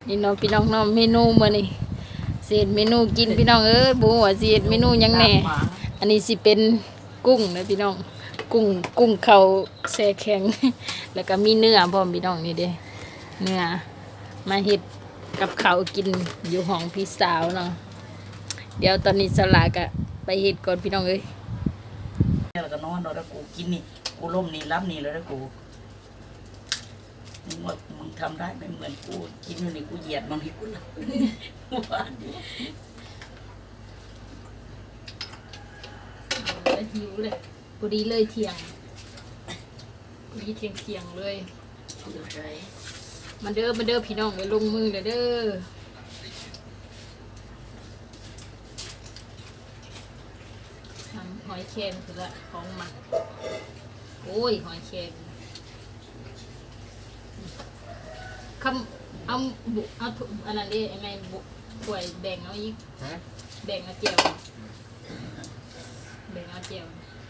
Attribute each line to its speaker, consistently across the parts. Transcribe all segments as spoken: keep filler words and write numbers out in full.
Speaker 1: นี่น้องพี่น้องน้องเมนูมื้อนี้เศษเมนูกินพี่น้องเอ้ยบ่ฮู้ว่าสิเฮ็ดเมนูหยังแหน่อันนี้สิเป็นกุ้งนะพี่น้องกุ้งกุ้งเขาแช่แข็ง แล้วก็มีเนื้อพร้อมพี่น้องนี่เด้เนื้อมาเฮ็ดกับข้าวกินอยู่ห้องพี่สาวเนาะเดี๋ยวตอนนี้สลาก็ไปเฮ็ดก่อนพี่น้องเอ้ย
Speaker 2: แล้วก็นอนแล้วกูกินนี่กูล่มนี่รับนี่แล้วกูมึงว่ามึงทำได้ไม่เหมือนกูกินอยู่นี่กูเหยียดมันให้กูละว่าดิ
Speaker 1: หิวเลยพอดีเลยเที่ยงพอดีเที่ยงเที่ยงเลย
Speaker 2: เดี๋ยวใจ
Speaker 1: มันเด้อมันเด้อพี่น้องไปลงมือเลยเด้อทำหอยแครงคือละของมันโอ้ยหอยแครงคำเอาบุเอาถุอันนั้นดิไอ้แม่บุป่วยแบ่งเอาอีกแบ่งเอาเจียวแบ่งเอาเจียว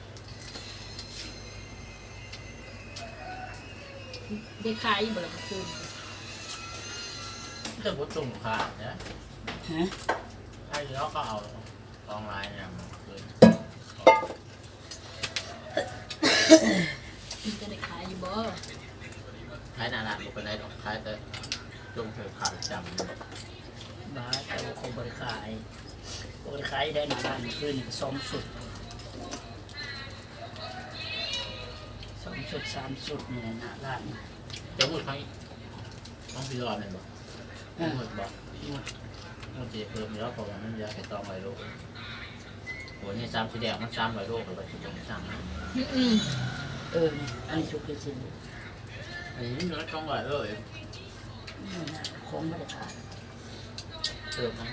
Speaker 1: ได้ขายอยู่บ่ล่ะเมื่อคืน
Speaker 3: ถ้าพูดตรงขาดนะ
Speaker 2: ฮะ
Speaker 3: ไอ้แล้วก็เอากองลายเนี่ยมาคืน
Speaker 1: มันจะได้ขายอยู่บ่
Speaker 3: ขายนานาบุกไปได้หรอกขายแต่จงเธอขาดจำ
Speaker 2: บ้าแต่ว่าคงบริขายบริขายได้หนาด้านขึ้นสองสุดสองสุดสามสุดนี่แหละหนาด้าน
Speaker 3: จะพูดให้ต้องพี่รอดเลยบอกหมดบอกมันจะเพิ่มเยอะเพราะว่ามันยาแค่ตองไรโลกโหนี่ซ้ำสีแดงมันซ้ำไรโลกเลยว่าจะต้องซ้ำนะ
Speaker 1: อืม
Speaker 2: เออนี่อันนี้ชุกเกจิน
Speaker 3: อันนี้มันต้องไรโลกเอง
Speaker 2: นี่นะคงบริขาย
Speaker 3: เติมนะ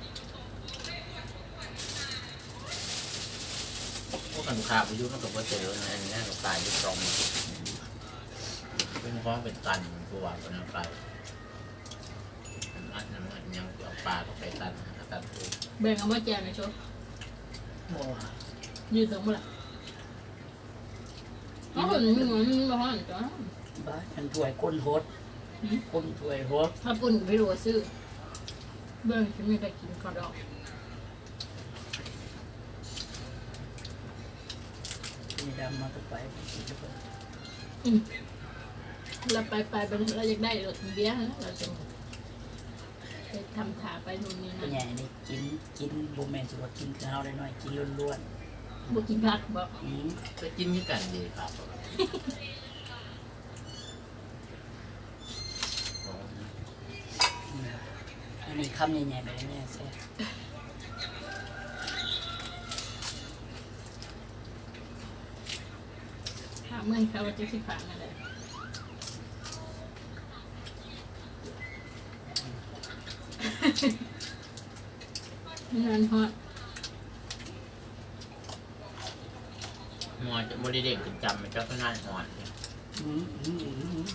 Speaker 3: พวกกันขาไปยุ่งมันกับว่าเจอในนี้เราตายยุ่งตรงเป็นฟ้องเป็นตันตัวเป็นอะไรอันนั้นยังเอาปลาต้องไปตันตันตัว
Speaker 1: แบ่งเอาบ่แจวหน่อยโชว์
Speaker 2: โอ้
Speaker 1: ยืดตรงบ่ล่ะอ๋อมันมันบ่ฮ้อนจ้ะ
Speaker 2: บ้าฉันถวยก้นโฮดก้นถวยโฮด
Speaker 1: ถ้าปุ่นไปรู้ว่าซื้อเบิ่งสิมีใครกินข้าวดอก
Speaker 2: มีดำมาต่อไป
Speaker 1: อืมเราไปไปไปเราอยากได้รถเบี้ยนะเราจะไปทำถาไปนู่นนี่
Speaker 2: เป็น
Speaker 1: นะ
Speaker 2: ไงนี่กินกินโบแมนสิว่ากินข้าวได้หน่อยกินล้วน
Speaker 1: บ่กินผักบ่
Speaker 2: ๆอืม
Speaker 3: ก็กินที่กันดีครับ
Speaker 2: อันนี้คำใหญ่ๆแบบนี้แซ่
Speaker 1: ถามเมื่อเขาว่าจะสิฝากอะไรงานฮอต
Speaker 3: มอจะโมดิเด็กจำมันก็ง่ายหอน
Speaker 2: อืมอืมอืมอืม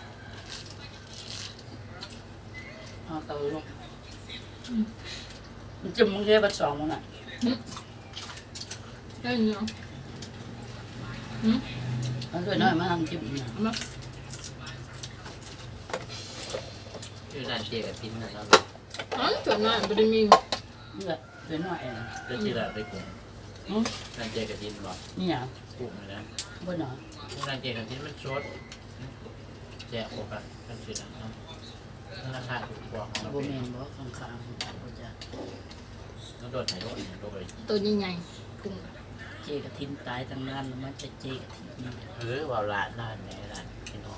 Speaker 2: เอาเตาลงมันจะมึงแค่บัดสองมันอ่ะ
Speaker 1: ได้เนาะอืม
Speaker 2: เอาด้วยน้อยมาทำจิ้มนะ
Speaker 1: เอามา
Speaker 3: ชื่อร้านเจกับพินนะครับ
Speaker 1: อ๋อส่วนมากบ่ได้มี
Speaker 2: เลือดด้วยน้อยเอง
Speaker 3: ก็ชื่อร้านไปกุ้ง
Speaker 2: อืม
Speaker 3: ร้านเจกับพินบอก
Speaker 2: นี่อย่าง
Speaker 3: กุ้งนะ
Speaker 2: บ่หนอ
Speaker 3: ร้านเจกับพินมันชดแจกโอกาสกันชื่อร้านนะราคาถูกกว่าของเรา
Speaker 2: โบ
Speaker 3: เป็น
Speaker 2: แมนบ่ข้างๆบ่จะ
Speaker 3: ต้องโดนไหนโดนโดนไป
Speaker 1: ตัวใหญ่ๆกุ้ง
Speaker 2: เจกระทินตายทั้งนั้นแล้วมันจะเจกระทินนี่
Speaker 3: หรือว่าร้านร้านไหนร้านพี่น้อง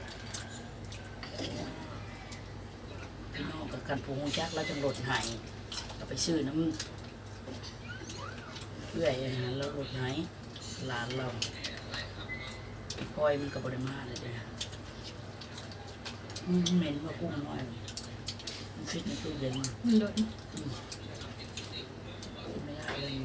Speaker 2: พี่น้องกับกันผูงจักแล้วจังรถหายเราไปซื้อน้ำเพื่อยอาหารแล้วรถหายหลานเราปล่อยมันกับบริมาเลยเด้ออืมเหม็นว่ากุ้งน้อยมันฟิตในตู้เย็น
Speaker 1: มันโดน
Speaker 2: กินไม่ได้เลย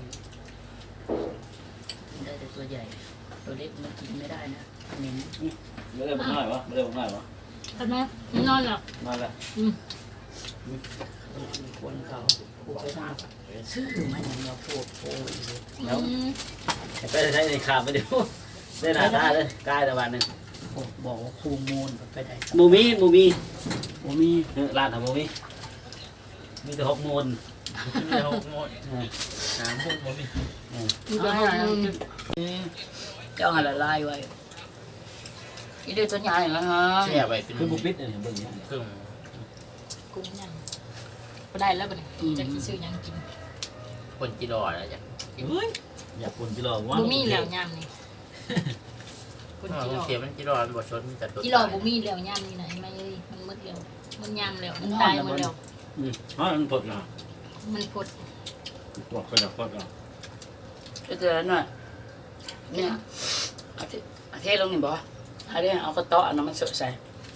Speaker 2: กินได้แต่ตัวใหญ่ ตัวเล็กมันกินไม่ได้นะเหม็น
Speaker 4: ไม่ได้ผมหน่อยวะไม่ได้ผมหน่อยวะ
Speaker 1: ทำไมนอนหลับ
Speaker 4: มาแล้ว
Speaker 1: อืม
Speaker 2: ควรเขาผูกไปทางซื้อมาอย่างเราผูกโผล่อยู่
Speaker 4: แล้ว
Speaker 1: อืม
Speaker 4: ไปใช้ในขาไปเดี๋ยวได้หนาตาเลยกายแต่วันหนึ่ง
Speaker 2: อโอ้บอกว่าคูมูลไปได้
Speaker 4: หมูมีหมูมี
Speaker 2: บ่มี
Speaker 4: เออร้านทำหมูมีมีแต่หกมูล
Speaker 3: มีแต่หกโมงหาโมงบ่มี
Speaker 1: มีแต่หกโมง
Speaker 2: เจ้าหาละลายไว้อีเดือตัวใหญ่แล้วฮะ
Speaker 3: แช่ไว้เป็น
Speaker 4: คือบุปิดอันนี้เบิ่งนี่
Speaker 3: เครื่อง
Speaker 1: กุ้งยังบ่ได้แล้วบ่เนี่ยจะกินซื้อหยังกิน
Speaker 3: คนกิโลแล้วจ้ะ
Speaker 4: เฮ้ยอยากคนกิโลว่า
Speaker 1: บ่มีแล้วยามนี่คน
Speaker 3: อ๋อ
Speaker 1: กิโล
Speaker 3: โอเคมันกิโลมันบ่ชนมันแต่ตัว
Speaker 1: กิโลบ่มีแล้วยามนี่นะไอ้แม่เอ้ยมันหมดแล้วมันยามแล้วมันตายหมดแล้ว
Speaker 4: อืมอ๋อมันปลดเนาะ
Speaker 1: มันพด
Speaker 4: ปลดก็จะปลดเนาะ
Speaker 2: ก็เจอแล้วหน่อยเนี่ยเอาเทเอาเทลงนี่บ่เอาเด้เอากระเตาะอันนั้นมันสดใส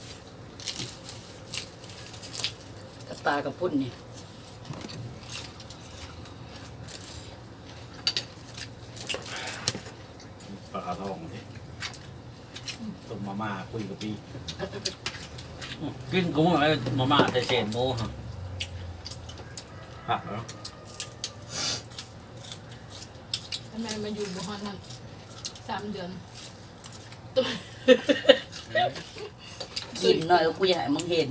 Speaker 2: กระตากระปุ่นนี่
Speaker 4: ปลาทองสิต้มมาม่าคุยกับพี่กินกุ้งอะไรมาม่าใส่เศษหมูฮะผักเหรอ
Speaker 1: ทำไมมาอยู่บ่ฮอดนั่นสามเดือน
Speaker 2: กินหน่อยกูอยากให้มึงเห็น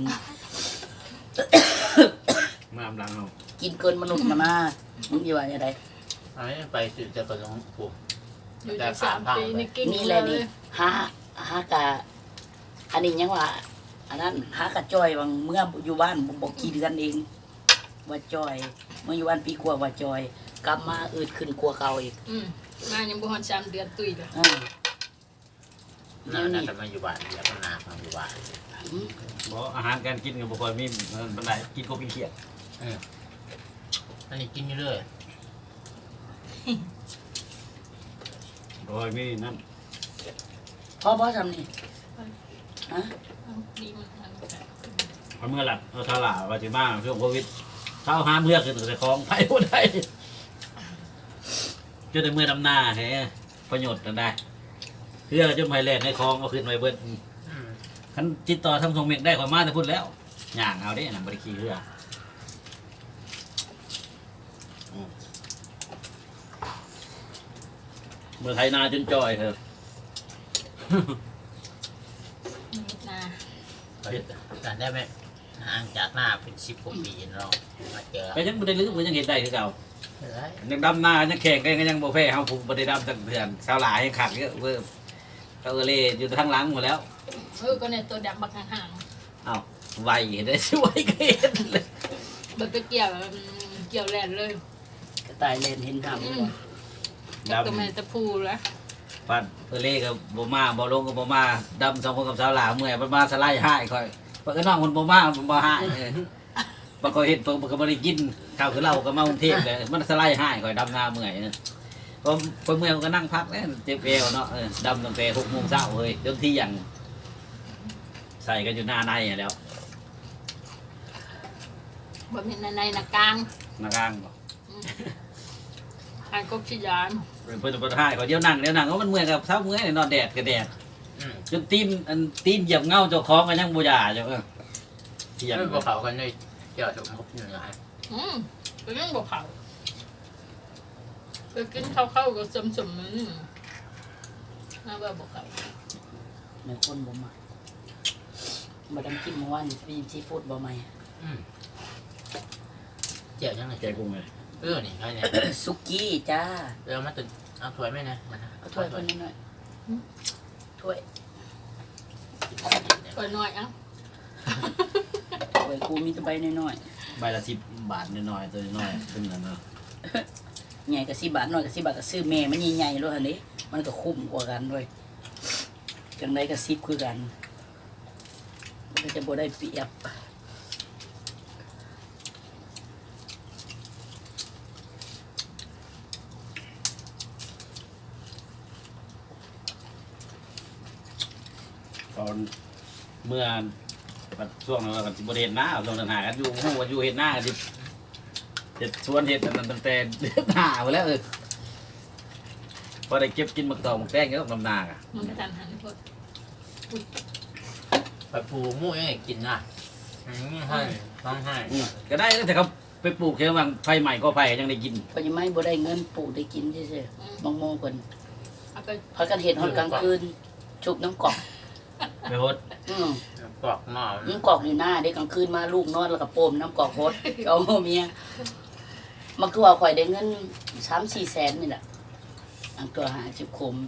Speaker 4: มาอำลังเอา
Speaker 2: กินเกินมนุษย์มานามึงอยู่ว่าอย่างไร
Speaker 3: อันนี้ไปสืบจากกระทรวงปลูก
Speaker 1: อยู่จักสามปีนี่กิน
Speaker 2: นี่แหละนี่หาหากะอันนี้ยังว่าอันนั้นหากะจอยบางเมื่ออยู่บ้านบอกกี่เดือนเอง ว่าจอย เมื่ออยู่บ้านปีกว่าว่าจอย กลับมาอืดขึ้นกลัวเก่าอีก
Speaker 1: อืมมายังบ่ฮอดสามเดือนตุ้ยเลย
Speaker 2: อ่า
Speaker 3: น่าน่าจะมาอยู่บ้านอยากมานามาอยู่บ้าน
Speaker 2: อืม
Speaker 4: บอกอาหารการกินกับบุคคลมีบันไดกินก็กินเขียด
Speaker 3: อันนี้กินอยู่เรื่อย
Speaker 4: โดยมีนั่น
Speaker 2: พ่อพ่อทำนี่ฮะ
Speaker 1: เอาดีมันอันนั้น
Speaker 4: พอเมื่อหลับเราทลาว่าจะมาช่วงโควิดเช้าห้ามเมื่อขึ้นแต่คลองไปบ่ได้จนในเมื่อดำนาแฮะประโยชน์กันได้เพื่อจะไปแลกในคลองเอาขึ้นไปเบิดคันติดต่อทำทรงเมกได้กว่ามาแต่พูดแล้วย่างเอาได้หนังบริคีเรืออืมเมื่อไทยนาจนจอยเถอะ
Speaker 1: นา
Speaker 3: การได้ไหมห่างจากหน้าเป็นสิบกว่าปีเรามาเจอ
Speaker 4: ไปยังไม่ได้ลืมยังเห็นได้คือเก่า
Speaker 3: อะไร
Speaker 4: ยังดำนายังแข่งกันก็ยังโบเพ่เขาผูกบไดดำตั้งเถื่อนชาวหลายให้ขัดเยอะเพิ่มเขาเอเล่อยู่ทางหลังหมดแล้ว
Speaker 1: เออก็เนี่ยตัวดำบักห่าง
Speaker 4: อ้าวไวได้ช่วยกันเห็นเลย
Speaker 1: ๆมันไปเกี่ยวอืมเกี่ยวแลนเลย
Speaker 2: กระต่ายเลนเห็นทำ
Speaker 1: อื
Speaker 2: บ่
Speaker 1: มจักตัวแม่ตะพูแล้ว
Speaker 4: ปัดเอเล่กับโบมาบอลงกับโบมาดำสองคนกับชาวหลาเมื่อยมันมาสไลด์ให้คอยปกน้องคนโบมามันบ่ให้ปกเห็นปกก็ไม่ได้กินข้าวคือเราก็มากรุงเทพเลยมันสไลด์ให้คอยดำนาเมื่อยพอพอเมื่อยมันก็นั่งพักแล้วเจ็บเอวเนาะดำตั้งแต่หกโมงเช้าเลยจนที่อย่างใส่กันอยู่หน้าในแล้ว
Speaker 1: บ่แม่นในๆนะกลาง
Speaker 4: นากลางบอก
Speaker 1: อืมอันกบชิยาน
Speaker 4: เพิ่นประทายเขาเดี๋ยวนั่งเดี๋ยวนั่งก็มันเมื่อยกับเช้าเมื่อยนอนแดดกับแดดจนตีนอันตีนเหยียบเงาเจ้าของกันยังบ่ยาเจ้าเออเทีย
Speaker 3: ยั
Speaker 4: น
Speaker 3: งพวกเขากันเลยเกี่ยวกับมุกอยู่ไหน
Speaker 1: อืมก็ยังบ่เข้าไปกินข้าวๆก็สมๆมันน่าว่าบ่เข้า
Speaker 2: ในคนบ่มาบ่ดำกินเมื่อวานนี่มีซีฟู้ดบ่ใหม่
Speaker 3: เกี่ยวยังไง
Speaker 4: แกกุ้งเลย
Speaker 3: เออนี่ใช่เนี่ย
Speaker 2: สุกี้จ้า
Speaker 3: เออมาตึกเอาถ้วยไหมนะ
Speaker 2: เอาถ้วยคนนี้หน่อยถ้วย
Speaker 1: ก็น้อยเอ้า
Speaker 2: ถ้วยกูมีแตะใบน้อย
Speaker 4: ใบละสิบบาทน้อยๆตัวน้อยๆเป็นนั่นเนาะ
Speaker 2: ๆใหญ่ก็สิบบาทน้อยก็สิบบาทก็ซื้อแม่มันใหญ่ๆโลดอันนี้มันก็คุ้มกว่ากันด้วยจังไดก็สิบคือกันมันก็จะบ่ได้เปรียบ
Speaker 4: ตอนเมื่อช่วงนั้นเราก็สิบ่ได้เฮ็ดนาช่วงนั้นหากันอยู่ฮู้ว่าอยู่เฮ็ดนากันสิเฮ็ดสวนเฮ็ดอันนั้นตั้งแต่เดือนหน้าไปแล้วเออพอได้เก็บกินหมักตองหมักแตงก็ต้องนำนาอ่ะ
Speaker 1: มันกระทันหันโพด
Speaker 3: ไปปูมุ้ยกินนะให้ต้องให้
Speaker 4: อืมก็ได้แต่เขาไปปลูกแค่ว่าไฟใหม่ก็ไฟยังได้กิน
Speaker 2: เพราะยังไม่บ่ได้เงินปลูกได้กินซื่อ
Speaker 1: อืม
Speaker 2: ๆบางโมงเพิ่น
Speaker 1: เอาไป
Speaker 2: พากันเห็นฮอดกลางคืนชุบน้ำกอก
Speaker 4: ไปโฮด
Speaker 2: อืม
Speaker 3: กรอกหม้อ
Speaker 2: น้ำกอกอยู่หน้าเด็กกลางคืนมาลูกนอนแล้วก็โปมน้ำกอกโคตรเอาเมียมันคือว่าข่อยได้เงินสามสี่แสนนี่แหละอันตัวหาชิบคม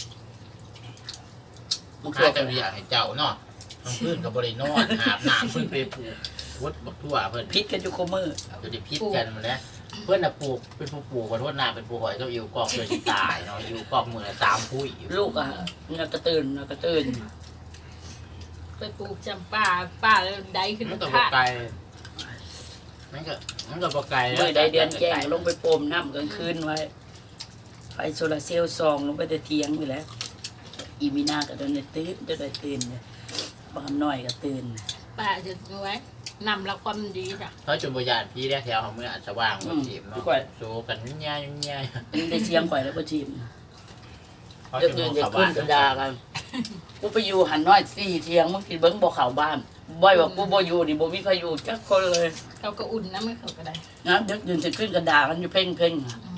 Speaker 2: มันคือ
Speaker 3: ข้า
Speaker 2: ว่า
Speaker 3: จะอยากให้เจ้าเนาะทั้งพื้นกับบริโนอนอาบน้ำเพื่อนไปปลูกวัดบักทั่วเพื่อน
Speaker 2: พิษกันอยู่โคมือ
Speaker 3: จะได้พิษกันมาแล้วเพื่อนน่ะปลูกเป็นผู้ปลูกขอโทษนาเป็นผู้หอยก็อยู่กอกเลยที่ตายเนาะอยู่กอกมือละสามพุ้ยอยู่
Speaker 2: ลูกอ่ะนักกระตื่นนักกระตื่น
Speaker 1: ไปปลูกจำป่าป่าแล้วได้ขึ้น
Speaker 3: มันก็บ
Speaker 1: ขาด
Speaker 3: ไกลมันก็มันก็บไกล
Speaker 2: เมื่อใดเดือนแจ้งลงไปโปมน้ำกลางคืนไว้ไฟโซลาร์เซลล์ซองลงไปแต่เทียงไปแล้ว อีมีนาก็โดนได้ตื่นจะได้ตื่นเนี่ยบางน้อยก็ตื่น
Speaker 1: ป่าจะเอาไว้นำละความดีจ้ะ
Speaker 3: เพราะจนบริยานพี่ได้แถวของเมื่ออาจจะว่างแบบทีมเนาะโซกันยุ่งยากยุ่งยาก
Speaker 2: นี่ได้เชียงข่อยแล้วก็ทีม
Speaker 3: เพราะ
Speaker 2: เด็ก
Speaker 3: จน
Speaker 2: เดิน
Speaker 3: ม
Speaker 2: จะ
Speaker 3: อง
Speaker 2: ขึ้นกระดากันกูไปอยู่หันน้อยสี่เทียงมึงกินเบิ้งบ่เข่าบ้านบ่อยบอกกูบ่อยู่นี่บ่มีใครอยู่จักคนเลย
Speaker 1: เขาก็อุ่นนะไม่เขาก็ได้
Speaker 2: นะเด็กเดินจะขึ้นกระดากันอยู่เพ่งเพ่ง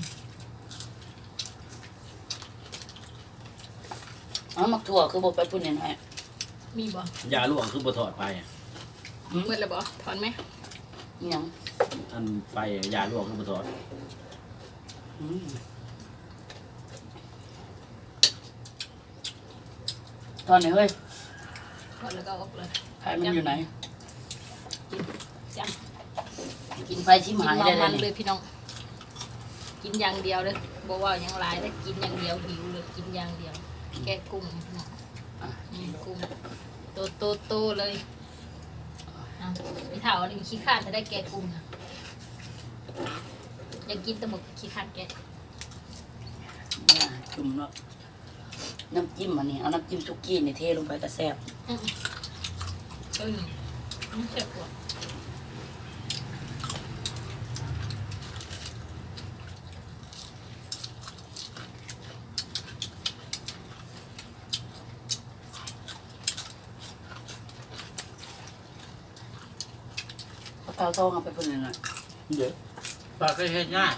Speaker 2: อ๋อมักถั่วคือบ่ไปพูดแน่
Speaker 1: มีบ่
Speaker 4: ยาล่วงคือบ่ถอดไป
Speaker 1: เมื่อไรบ่ถอนไหม
Speaker 2: ๆอิหยัง
Speaker 4: อันไปยาล่วงคือบ่ถอด
Speaker 2: อืมตอนนี้เฮ้ย
Speaker 1: ถอนแล้วก็ออกเลย
Speaker 2: ใครมันอยู่ไหน
Speaker 1: จ้ะ
Speaker 2: กินไฟชิม
Speaker 1: กิน
Speaker 2: หาย
Speaker 1: มั
Speaker 2: ได้
Speaker 1: น
Speaker 2: เล
Speaker 1: มั
Speaker 2: ย
Speaker 1: นเล
Speaker 2: นี่
Speaker 1: ยพี่น้อง กินอย่างเดียวเลยบอกว่าอย่างไรแต่กินอย่างเดียวหิวเลยกินอย่างเดียว แกะกุ้งพี่น้อง
Speaker 2: อ่ะ
Speaker 1: อืมกุ้งโตโตโตเลยเอาพี่เถาอันนี้ขี้ข้านจะได้แกะกุ้งอะอยากกินแต่หมกขี้ข้านแกะ
Speaker 2: เนี่ยจุ่มแล้วน้ำจิ้มอันนี้เอาน้ำจิ้มซุกี้นี่เทลงไปก็แซ่บ
Speaker 1: อืมเออไม่เจ็บปวด
Speaker 2: เอาเตาทองเอาไปพุ่นหน่อย
Speaker 4: เดี๋ยว
Speaker 3: ปลาก็เฮ็ดง่าย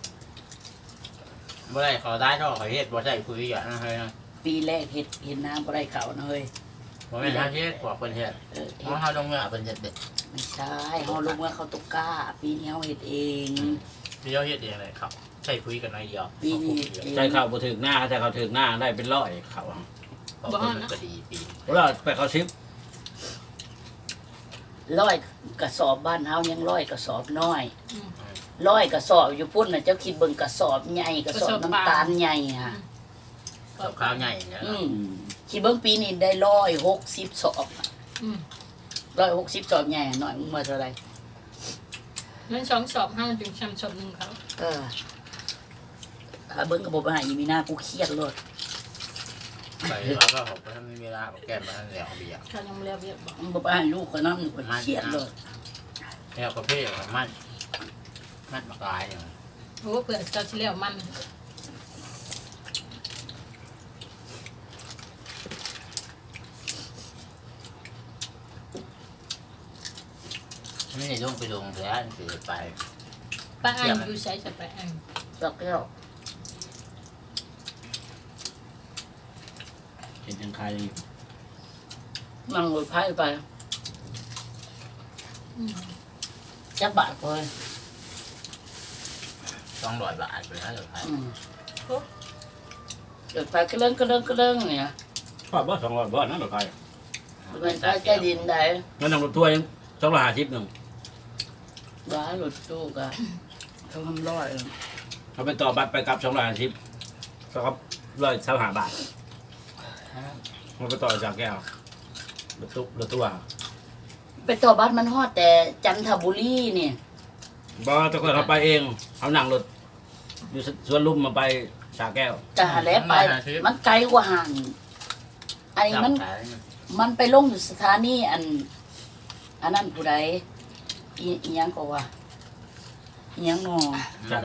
Speaker 3: บ่ได้ขอได้เท่าขอเฮ็ดบ่ได้คุยอย่างนั้นเลยนะ
Speaker 2: ปีแรกเห็ดเห็ดน้ำบ่ได้เขานะเฮ้ย
Speaker 3: บ่แม่นหาเฮ็ดกว่าเพิ่นเฮ็ด
Speaker 2: เออ
Speaker 3: เพ
Speaker 2: เห็ด
Speaker 3: ราะเฮาลงเงินเพิ่นเฮ็ดเด็ด
Speaker 2: ไม่ใช่เฮาลงว่าเขาตุกก้า ปีนี้เฮาเห็ดเอง
Speaker 3: พี่เจ้าเฮ็ดเองเลยครับใช่คุยกันน้อยเดียว
Speaker 2: ปีนี้
Speaker 4: ใจเข้าบ่ถึงหน้าแต่เขาถึงหน้าได้เป็นร้อยเขา
Speaker 3: เพราะเพิ่นก็ดีปี
Speaker 4: เวลาไปเขาชิป
Speaker 2: ร้อยกระสอบบ้านเฮายังร้อยกระสอบน้อย
Speaker 1: อืม
Speaker 2: ร้อยกระสอบอยู่พุ่นน่ะเจ้าคิดเบิ่งกระสอบใหญ่กระสอบน้ำตาลใหญ่ฮะ
Speaker 3: กับข้าวใหญ่เนี่ย
Speaker 2: อืมคิดเบิ่งปีนี้ได้ร้อยหกสิบสอบ
Speaker 1: อืม
Speaker 2: ร้อยหกสิบสอบใหญ่หน่อยมึงมาเท่าไหร
Speaker 1: นั่นสองสอบห้ามันถึงชำชอบหนึ่งเขา
Speaker 2: เออถ้าเบิ่งกระบบอาหารอีมีหน้ากูเครียดเลย
Speaker 3: ไปแล้วก็ผมก็ทำเวลาแก้มมาแล้วเบียร์
Speaker 1: เขายังไม่เรียบเรียบบอก
Speaker 2: มึงบอกอาหารลูกคนนั้นกูเครียดเลย
Speaker 3: แล้วก็เพ่มันมันมากลายอย่าง
Speaker 1: โอ้เผื่อเจ้าชิเลียวมัน
Speaker 3: ไม่ได้ลงไปลงแล้วสิไป
Speaker 1: ป้าอันอยู่ใช้จะไปอัน
Speaker 2: สักแก้ว
Speaker 4: เห็นยังใคร
Speaker 2: นั่งรถไฟไป
Speaker 1: อืม
Speaker 2: จักบาทเลย
Speaker 3: ต้องร้อยบาทไปนะเดี๋ยวไป
Speaker 2: อืมรถไฟก็เรื่องก็เรื่องก็เรื่องเนี่ย
Speaker 4: ชอบบ่สองร้อยบ่นั่นหรอใคร
Speaker 2: รถไฟใต้ใต้ดินได้
Speaker 4: งั้นนั่งรถทัวร์ยังสองร้อยห้าสิบหนึ่ง
Speaker 2: บ้ารถตู้ก็เขาทำร้อย
Speaker 4: เขาไปต่อบัตรไปกลับสองร้อยห้าสิบก็ครับร้อยสามห้าบาทมันไปต่อจากแก้วรถตู้รถตู้อ่ะ
Speaker 2: ไปต่อบัสมันฮอดแต่จันทบุรีเนี่ย
Speaker 4: บ่ต้องเขาไปเองเอานั่งรถอยู่สวนลุมมาไปสาแก้ว
Speaker 2: จะหาแล้วไป มันไกลกว่าห่างอันนี้มัน มันไปลงอยู่สถานีอัน อันนั้นผู้ใดอีอีหยังก็ว่าอีหยังงอ